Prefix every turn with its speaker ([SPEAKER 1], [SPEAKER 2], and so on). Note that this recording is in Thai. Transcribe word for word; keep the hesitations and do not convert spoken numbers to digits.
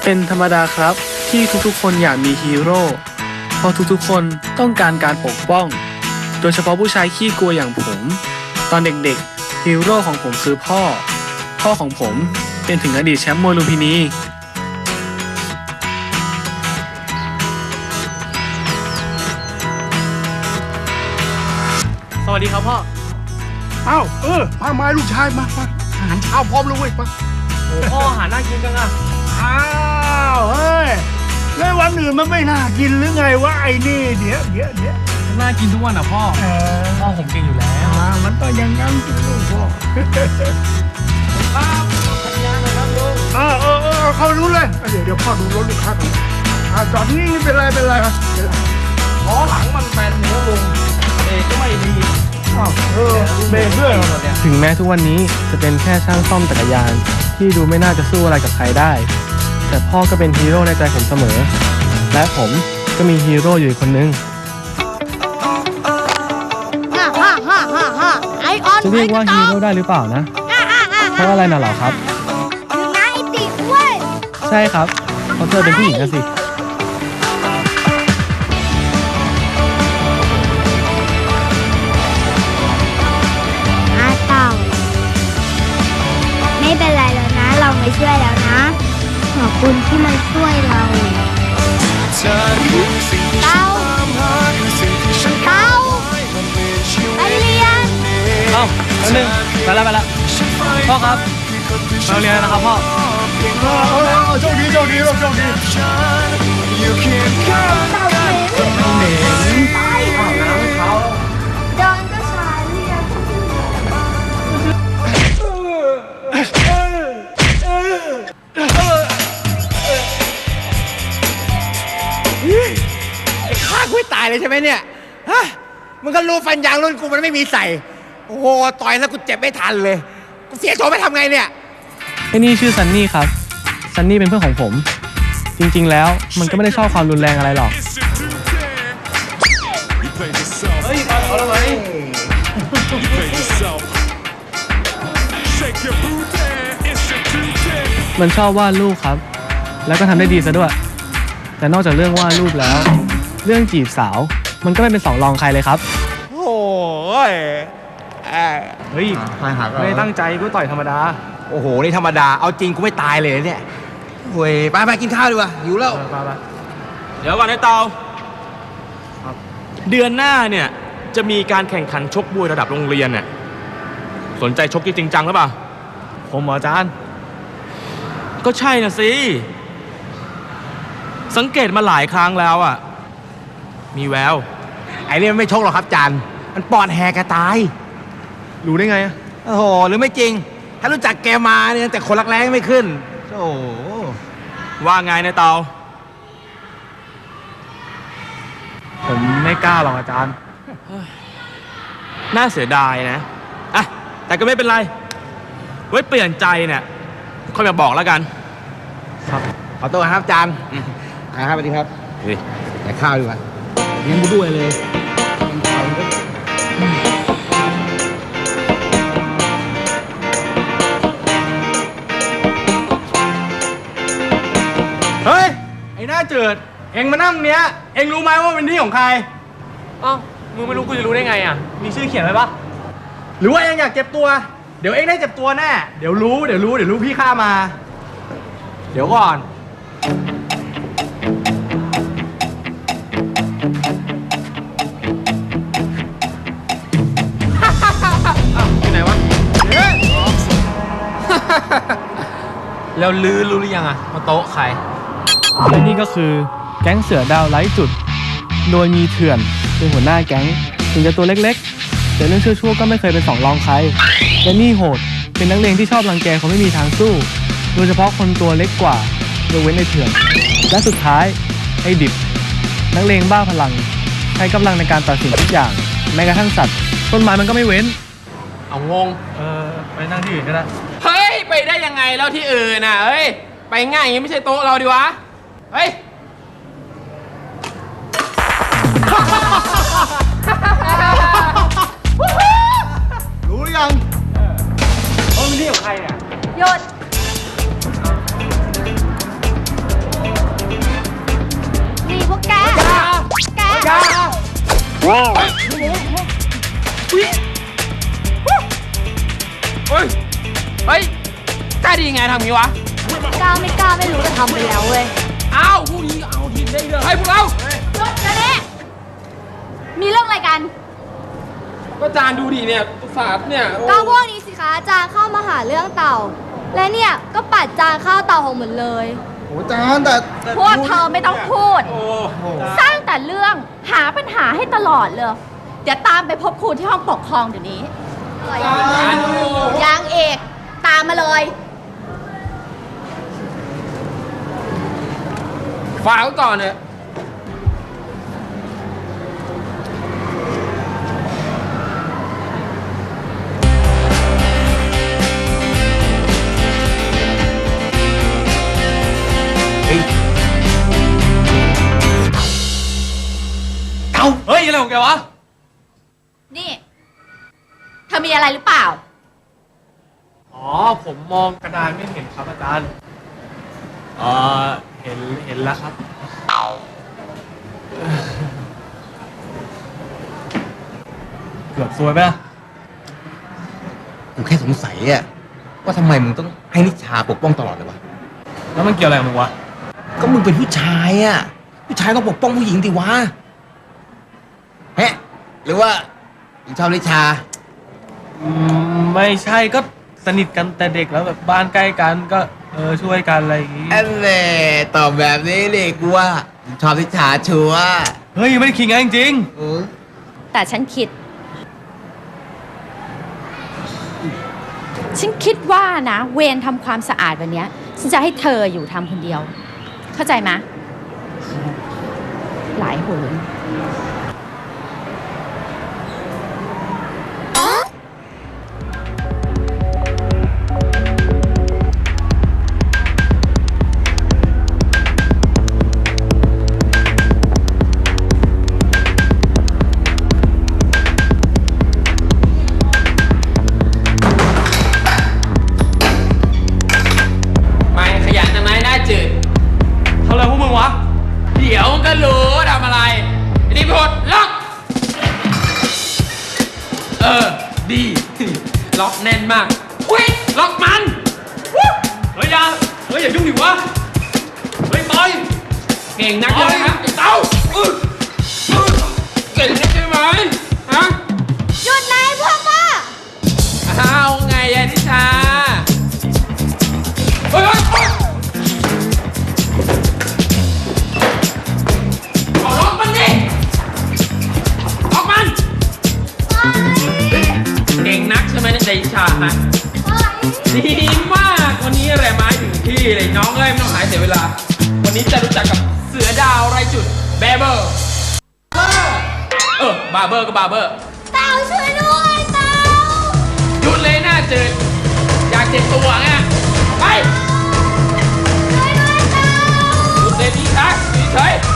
[SPEAKER 1] เป็นธรรมดาครับที่ทุกๆคนอยากมีฮีโร่เพราะทุกๆคนต้องการการปกป้องโดยเฉพาะผู้ชายขี้กลัวอย่างผมตอนเด็กๆฮีโร่ของผมคือพ่อพ่อของผมเป็นถึงอดีตแชมป์มวยลุมพินีสวัสดีครับพ่อ
[SPEAKER 2] เอ้าเออมามาลูกชายมามาอาหารเช้าพร้อมแล้วเว้ยมา
[SPEAKER 1] โอ้พ่ออาหารน่ากินจังอะ
[SPEAKER 2] อ้าวเฮ้ยแล้ววันอื่นมันไม่น่ากินหรือไงวะไอ้นี่เดี๋ยวเดี๋ยวเดี๋ยว
[SPEAKER 1] น่ากินทุกวันอ่ะพ่อเออพ่อผมกินอยู่แล้ว
[SPEAKER 2] อ่ามันต้องยังงั้นสิลูกพ่อครับสัญญาณนะครับลูกเออเออเออเข้ารู้เลยเดี๋ยวเดี๋ยวพ่อดูรถลูกค้าก่อนอ่าจอดนี่เป็นไรเป็นไรครับเป็นไร
[SPEAKER 1] ล้อหลังมันแบนเนื้อลุงเบรกก็ไม่ดี
[SPEAKER 2] เออเบรกด้วย
[SPEAKER 1] ถึงแม้ทุกวันนี้จะเป็นแค่ช่างซ่อมจักรยานที่ดูไม่น่าจะสู้อะไรกับใครได้แต่พ่อก็เป็นฮีโร่ในใจผมเสมอและผมก็มีฮีโร่อยู่คนนึงจะเรียกว่าฮีโร่ได้หรือเปล่านะเพราะอะไรน่ะเหรอครับ
[SPEAKER 3] ถึงนายติดเว้ย
[SPEAKER 1] ใช่ครับเพราะเธอเป็นผู้หญิงนะสิ
[SPEAKER 3] อาเต่าไม่เป็นไรแล้วนะเราไม่ช่วยแล้วนะขอบคุณที่มาช่วยเราเต่าเต่าไปเรียน
[SPEAKER 1] เอ้าแล้วหนึ่งไปแล้วไปแล้วพ่อครับเราเรียนนะครับพ่อ
[SPEAKER 2] โชคดีโชคดีโชคดี
[SPEAKER 3] เหม็นไปอาบน้ำเขาเดินก็ช้าเรียน
[SPEAKER 4] ไอ้ข้ากูตายเลยใช่ไหมเนี่ยฮะมึงก็รู้ฟันยางรุ่นกูมันไม่มีใส่โอ้โหต่อยแล้วกูเจ็บไม่ทันเลยกูเสียโฉมไปทำไงเนี่ย
[SPEAKER 1] ไอ้นี่ชื่อซันนี่ครับซันนี่เป็นเพื่อนของผมจริงๆแล้วมันก็ไม่ได้ชอบความรุนแรงอะไรหรอกเฮ้ยเอาแล้วไหมมันชอบวาดรูปครับแล้วก็ทำได้ดีซะด้วยแต่นอกจากเรื่องวาดรูปแล้วเรื่องจีบสาวมันก็ไม่เป็นสองรองใครเลยครับ
[SPEAKER 4] โอ้ย
[SPEAKER 1] เฮ้ยไม่ตั้งใจกูต่อยธรรมดา
[SPEAKER 4] โอ้โหนี่ธรรมดาเอาจริงกูไม่ตายเลยเนี่ยเว้ยไปไปกินข้าวดีกว่าหิวแล้ว
[SPEAKER 5] เดี๋ยวก่อนไอ้เตาเดือนหน้าเนี่ยจะมีการแข่งขันชกมวยระดับโรงเรียนเนี่ยสนใจชกจริงจังหรือเปล่า
[SPEAKER 1] ผมอาจารย์
[SPEAKER 5] ก็ใช่นะสิสังเกตมาหลายครั้งแล้วอ่ะมีแวว
[SPEAKER 4] ไอ้นี่มันไม่ชกหรอกครับจานมันปอดแหกกระตาย
[SPEAKER 1] รู้ได้ไงอ่ะ
[SPEAKER 4] โอ้โหหรือไม่จริงถ้ารู้จักแกมาเนี่ยแต่คนรักแร้ไม่ขึ้นโอ้
[SPEAKER 5] ว่าไงนายเตา
[SPEAKER 1] ผมไม่กล้าหรอกอาจารย์
[SPEAKER 5] น่าเสียดายนะอ่ะแต่ก็ไม่เป็นไรไว้เปลี่ยนใจเนี่ยค่อยมาบอกแล้วกัน
[SPEAKER 4] ครับขอตัวครับอาจารย์ครับสวัสดีครับแต่ข้าวดีกว่าเลี้ยงกูด้วยเลย
[SPEAKER 5] เฮ้ยไอ้หน้าเจิดเอ็งมานั่งเนี้ยเอ็งรู้ไหมว่าเป็นที่ของใคร
[SPEAKER 1] อ้าวมึงไม่รู้กูจะรู้ได้ไงอ่ะมีชื่อเขียนไว้ปะ
[SPEAKER 5] หรือว่าเอ็งอยากเจ็บตัวเดี๋ยวเอ็งได้เจ็บตัวแน่เดี๋ยวรู้เดี๋ยวรู้เดี๋ยวรู้พี่ข้ามาเดี๋ยวก่อน
[SPEAKER 1] อยู่ไหนวะแล้วลือรู้หรือยังอ่ะมาโต๊ะใครและนี่ก็คือแก๊งเสือดาวไร้จุดโดยมีเถื่อนเป็นหัวหน้าแก๊งถึงจะตัวเล็กๆแต่เรื่องชั่วๆก็ไม่เคยเป็นสองรองใครและนี่โหดเป็นนักเลงที่ชอบรังแกคนไม่มีทางสู้โดยเฉพาะคนตัวเล็กกว่ายกเว้นในเถื่อนและสุดท้ายไอ้ดิบนักเลงบ้าพลังใช้กำลังในการตัดสินทุกอย่างแม้กระทั่งสัตว์ต้นไม้มันก็ไม่เว้น
[SPEAKER 5] เอางง
[SPEAKER 1] เออไปนั่งที่อื่นก็ได้
[SPEAKER 5] เฮ้ยไปได้ยังไงแล้วที่อื่นน่ะเฮ้ยไปง่ายอย่างนี้ไม่ใช่โต๊ะเราดิวะเฮ้ย
[SPEAKER 2] รู้หรือยัง
[SPEAKER 5] เออมันนี่ของใครเนี่ย
[SPEAKER 3] หยุด
[SPEAKER 1] เฮ้ย เฮ้ยกล้าดีไงทำงี้วะ
[SPEAKER 3] กล้าไม่กล้าไม่รู้แต่ทำไปแล้วเว้ย
[SPEAKER 1] อ้าวพวกนี้เอาทีมได้เลยให้พวกเรา
[SPEAKER 3] รถจะเนี่ยมีเรื่องอะไรกัน
[SPEAKER 1] ก็จานดูดิเนี่ยตุสาดเนี่ย
[SPEAKER 3] ก็พวกนี้สิคะจานเข้ามาหาเรื่องเต่า และเนี่ยก็ปัดจานเข้าเต่าของเหมือนเลย
[SPEAKER 2] โอ้จานแต่
[SPEAKER 6] พวกเธอไม่ต้องพูด
[SPEAKER 1] โอ้โห
[SPEAKER 6] สร้างแต่เรื่องหาปัญหาให้ตลอดเลย เดี๋ยวตามไปพบครูที่ห้องปกครองเดี๋ยวนี้
[SPEAKER 1] จานดู
[SPEAKER 6] ยางเอกตามมาเลย
[SPEAKER 1] ฝากไว้ก่อนเนี่ย
[SPEAKER 5] เอาเฮ้ย อะไรของแกวะ
[SPEAKER 6] นี่ เธอมีอะไรหรือเปล่า
[SPEAKER 1] อ๋อ ผมมองกระดานไม่เห็นครับอาจารย์เออเห็น เห็นแล้วครับ เกือบซวยไปละ
[SPEAKER 4] กูแค่สงสัยอะว่าทำไมมึงต้องให้นิชาปกป้องตลอดเลยวะ
[SPEAKER 1] แล้วมันเกี่ยวอะไรกับมึงวะ
[SPEAKER 4] ก็มึงเป็นผู้ชายอะผู้ชายต้องปกป้องผู้หญิงดิวะเฮ้หรือว่ามึงชอบนิชา
[SPEAKER 1] อืม ไม่ใช่ก็สนิทกันแต่เด็กแล้วแบบบ้านใกล้กันก็เออช่วยกันอะไรอย่างงี้
[SPEAKER 4] อันเน่ตอบแบบนี้เลยกูว่ามึงชอบนิชาชัวร์
[SPEAKER 1] เฮ้ยยังไม่ได้คิดงั้นจริง
[SPEAKER 4] เออ
[SPEAKER 6] แต่ฉันคิด ฉันคิดว่านะ เวรทำความสะอาดวันเนี้ยฉันจะให้เธออยู่ทำคนเดียว เข้าใจไหมหลายโหน
[SPEAKER 7] ไม่ขยันทำไมหน้าจืด
[SPEAKER 1] ๆทำอะไรพวกมึงวะ
[SPEAKER 7] เดี๋ยวมันก็รู้ว่าทำอะไรรีบดล็อก เออ ดี ล็อกแน่นมากอุ้ยล็อกมัน
[SPEAKER 1] เฮ้ยอย่าเฮ้ยอย่ายุ่งดิวะ เฮ้ยปล่อย
[SPEAKER 7] เก่งนักเลยนะไอ้เต้าอื้ออื้อเก่งนักใช่ไหมฮะ
[SPEAKER 3] หยุดนายพวกว่า
[SPEAKER 7] อ้าวไงยายนิชาเฮ้ยเฮ้ยเฮ้ยเอาล็อกมันดิล็อกมัน เก่งนักใช่ไหมในใจชาฮะดีมากวันนี้แหละไม้ถึงที่เลยน้องเอ้ยไม่ต้องหายเสียเวลา วันนี้จะรู้จักกับเสือดาวไรจุดแบเบอร์เออบาร์เบอร์ก็บาร์เบอร์
[SPEAKER 3] เต่าช่วยด้วยเต่า
[SPEAKER 7] หยุดเลยหน้าจืดอยากเจ็บตัวไงไป
[SPEAKER 3] ช่วยด้วยเต่า
[SPEAKER 7] หยุดเลยพี่ชักเฉย